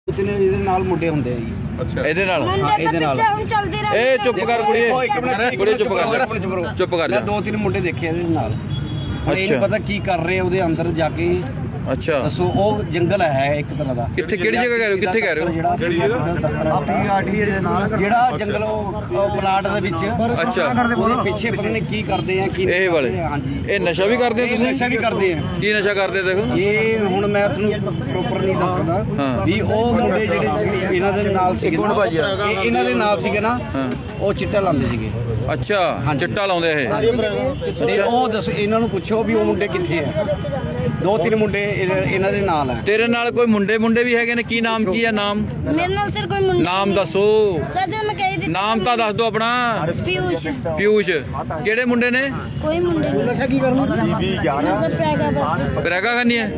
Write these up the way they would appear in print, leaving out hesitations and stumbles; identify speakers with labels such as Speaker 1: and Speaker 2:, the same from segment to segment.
Speaker 1: ਇਹਦੇ ਨਾਲ ਮੁੰਡੇ ਹੁੰਦੇ ਆ ਜੀ।
Speaker 2: ਅੱਛਾ
Speaker 3: ਇਹਦੇ ਨਾਲ
Speaker 1: ਇਹਦੇ ਨਾਲ
Speaker 3: ਇਹ ਚੁੱਪ ਕਰ ਕੁੜੀਏ, ਕੁੜੀਏ ਚੁੱਪ ਕਰ, ਚੁੱਪ ਕਰ ਜਾ।
Speaker 1: ਮੈਂ 2-3 ਮੁੰਡੇ ਦੇਖੇ ਇਹਦੇ ਨਾਲ। ਇਹ
Speaker 3: ਅੱਛਾ।
Speaker 1: ਨਹੀਂ ਪਤਾ ਕੀ ਕਰ ਰਹੇ ਉਹਦੇ ਅੰਦਰ ਜਾ ਕੇ।
Speaker 3: ਅੱਛਾ
Speaker 1: ਦੱਸੋ ਉਹ ਜੰਗਲ ਹੈ ਇੱਕ ਤਰ੍ਹਾਂ ਦਾ।
Speaker 3: ਕਿੱਥੇ ਕਿਹੜੀ ਜਗ੍ਹਾ ਕਹਿ ਰਹੇ ਹੋ, ਕਿੱਥੇ ਕਹਿ ਰਹੇ ਹੋ?
Speaker 1: ਕਿਹੜੀ ਜਗ੍ਹਾ? ਜਿਹੜਾ ਜੰਗਲ ਉਹ ਪਲਾਟ ਦੇ ਵਿੱਚ।
Speaker 3: ਅੱਛਾ
Speaker 1: ਉਹਦੇ ਪਿੱਛੇ ਪਤਾ ਨਹੀਂ ਕੀ ਕਰਦੇ ਆ ਕੀ
Speaker 3: ਇਹ ਵਾਲੇ
Speaker 1: ਹਾਂਜੀ
Speaker 3: ਇਹ ਨਸ਼ਾ ਵੀ ਕਰਦੇ ਹੋ
Speaker 1: ਇਹ
Speaker 3: ਤੁਸੀਂ?
Speaker 1: ਨਸ਼ਾ ਵੀ ਕਰਦੇ ਆ।
Speaker 3: ਕੀ ਨਸ਼ਾ ਕਰਦੇ ਦੇਖੋ?
Speaker 1: ਇਹ ਹੁਣ ਮੈਂ ਤੁਹਾਨੂੰ ਪ੍ਰੋਪਰ ਨਹੀਂ ਦੱਸ ਸਕਦਾ
Speaker 3: ਹਾਂ।
Speaker 1: ਵੀ ਉਹ ਮੁੰਡੇ ਜਿਹੜੇ ਇਹਨਾਂ ਦੇ ਨਾਲ ਸੀਗੇ
Speaker 3: ਇੱਕ ਮਿੰਟ ਭਾਜੀ ਆ।
Speaker 1: ਇਹਨਾਂ ਦੇ ਨਾਲ ਸੀਗੇ ਨਾ
Speaker 3: ਹਾਂ
Speaker 1: ਉਹ ਚਿੱਟਾ ਲਾਉਂਦੇ ਸੀਗੇ।
Speaker 3: ਅੱਛਾ ਚਿੱਟਾ ਲਾਉਂਦੇ ਇਹ?
Speaker 1: ਤੇ ਉਹ ਦੱਸ ਇਹਨਾਂ ਨੂੰ ਪੁੱਛੋ ਵੀ ਉਹ ਮੁੰਡੇ ਕਿੱਥੇ ਆ। 2-3 ਮੁੰਡੇ ਇਹਨਾਂ ਦੇ ਨਾਲ ਆ।
Speaker 3: ਤੇਰੇ ਨਾਲ ਕੋਈ ਮੁੰਡੇ ਵੀ ਹੈਗੇ ਨੇ? ਕੀ ਨਾਮ ਕੀ ਹੈ? ਨਾਮ
Speaker 4: ਮੇਰੇ ਨਾਲ ਸਰ ਕੋਈ ਮੁੰਡਾ
Speaker 3: ਨਾਮ ਦੱਸੋ।
Speaker 4: ਸਰ ਜਦੋਂ ਮੈਂ ਕਹੀ ਦਿੱਤੀ
Speaker 3: ਨਾਮ ਤਾਂ ਦੱਸ ਦਿਓ ਆਪਣਾ।
Speaker 4: ਪਿਊਸ਼
Speaker 3: ਪਿਊਸ਼। ਕਿਹੜੇ ਮੁੰਡੇ ਨੇ?
Speaker 4: ਕੋਈ ਮੁੰਡੇ ਨਹੀਂ।
Speaker 1: ਨਸ਼ਾ ਕੀ ਕਰਨਾ
Speaker 4: ਸਰ ਪ੍ਰੈਗਾ ਬਸ
Speaker 3: ਬਰੇਗਾ ਕਰਨੀ ਹੈ?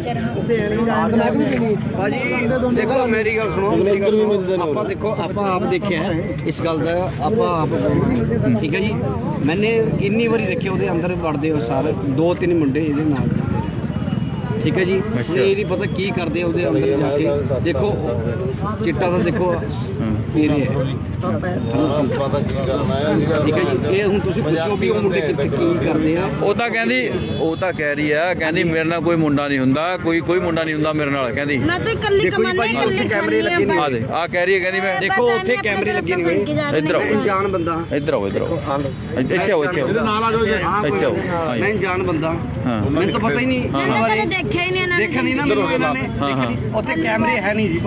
Speaker 1: ਭਾਜੀ ਦੇਖੋ ਮੇਰੀ ਗੱਲ ਸੁਣੋ। ਮੇਰੀ ਗੱਲ ਸੁਣੋ। ਆਪਾਂ ਦੇਖੋ ਆਪਾਂ ਆਪ ਦੇਖਿਆ ਇਸ ਗੱਲ ਦਾ। ਆਪਾਂ ਆਪ ਠੀਕ ਹੈ ਜੀ। ਮੈਨੇ ਇੰਨੀ ਵਾਰੀ ਦੇਖਿਆ ਉਹਦੇ ਅੰਦਰ ਵੜਦੇ ਹੋ ਸਾਰੇ 2-3 ਮੁੰਡੇ ਇਹਦੇ ਨਾਲ। ਠੀਕ ਹੈ ਜੀ। ਹੁਣ ਇਹ ਨਹੀਂ ਪਤਾ ਕੀ ਕਰਦੇ ਉਹਦੇ ਅੰਦਰ ਜਾ ਕੇ। ਦੇਖੋ ਚਿੱਟਾ ਤਾਂ ਦੇਖੋ ਪੀ ਰਿਹਾ ਹੈ। ਠੀਕ ਹੈ ਜੀ। ਇਹ ਹੁਣ ਤੁਸੀਂ ਪੁੱਛੋ ਵੀ ਉਹ ਮੁੰਡੇ ਕਿੱਥੇ ਕੀ ਕਰਦੇ ਆ।
Speaker 3: ਉਹ ਤਾਂ ਕਹਿ ਰਹੀ ਆ, ਕਹਿੰਦੀ ਮੇਰੇ ਨਾਲ ਕੋਈ ਮੁੰਡਾ ਨਹੀਂ ਹੁੰਦਾ, ਕੋਈ ਮੁੰਡਾ ਨਹੀਂ ਹੁੰਦਾ ਮੇਰੇ ਨਾਲ ਕਹਿੰਦੀ।
Speaker 4: ਮੈਂ ਤਾਂ ਇਕੱਲੀ
Speaker 1: ਦੇਖੋ ਜੀ
Speaker 4: ਕਮਾਨੀ
Speaker 1: ਭਾਜੀ, ਉੱਥੇ ਕੈਮਰੇ ਲੱਗੇ ਨੇ।
Speaker 3: ਆ ਦੇ ਆ ਕਹਿ ਰਹੀ ਹੈ, ਕਹਿੰਦੀ ਮੈਂ
Speaker 1: ਦੇਖੋ ਉੱਥੇ ਕੈਮਰੇ ਲੱਗੇ ਨੇ ਹੋਏ।
Speaker 3: ਇੱਧਰ ਆਓ,
Speaker 1: ਅਣਜਾਣ ਬੰਦਾ।
Speaker 3: ਇੱਧਰ ਆਓ, ਇੱਧਰ ਆਓ, ਇੱਥੇ ਆਓ, ਇੱਥੇ ਆਓ।
Speaker 1: ਹਾਂ
Speaker 3: ਇੱਥੇ ਆਓ।
Speaker 1: ਮੈਂ ਅਣਜਾਣ ਬੰਦਾ।
Speaker 3: ਹਾਂ
Speaker 1: ਮੈਨੂੰ ਤਾਂ ਪਤਾ ਹੀ ਨਹੀਂ ਇਹਨਾਂ
Speaker 4: ਮੈਂ
Speaker 1: ਬਾਰੇ।
Speaker 4: ਕਦੇ ਦੇਖਿਆ ਹੀ ਨਹੀਂ ਇਹਨਾਂ ਨੇ।
Speaker 1: ਦੇਖਿਆ ਨਹੀਂ ਨਾ ਮੈਨੂੰ ਇਹਨਾਂ ਨੇ।
Speaker 3: ਹਾਂ, ਹਾਂ।
Speaker 1: ਉੱਥੇ ਕੈਮਰੇ ਹੈ ਨਹੀਂ ਜੀ।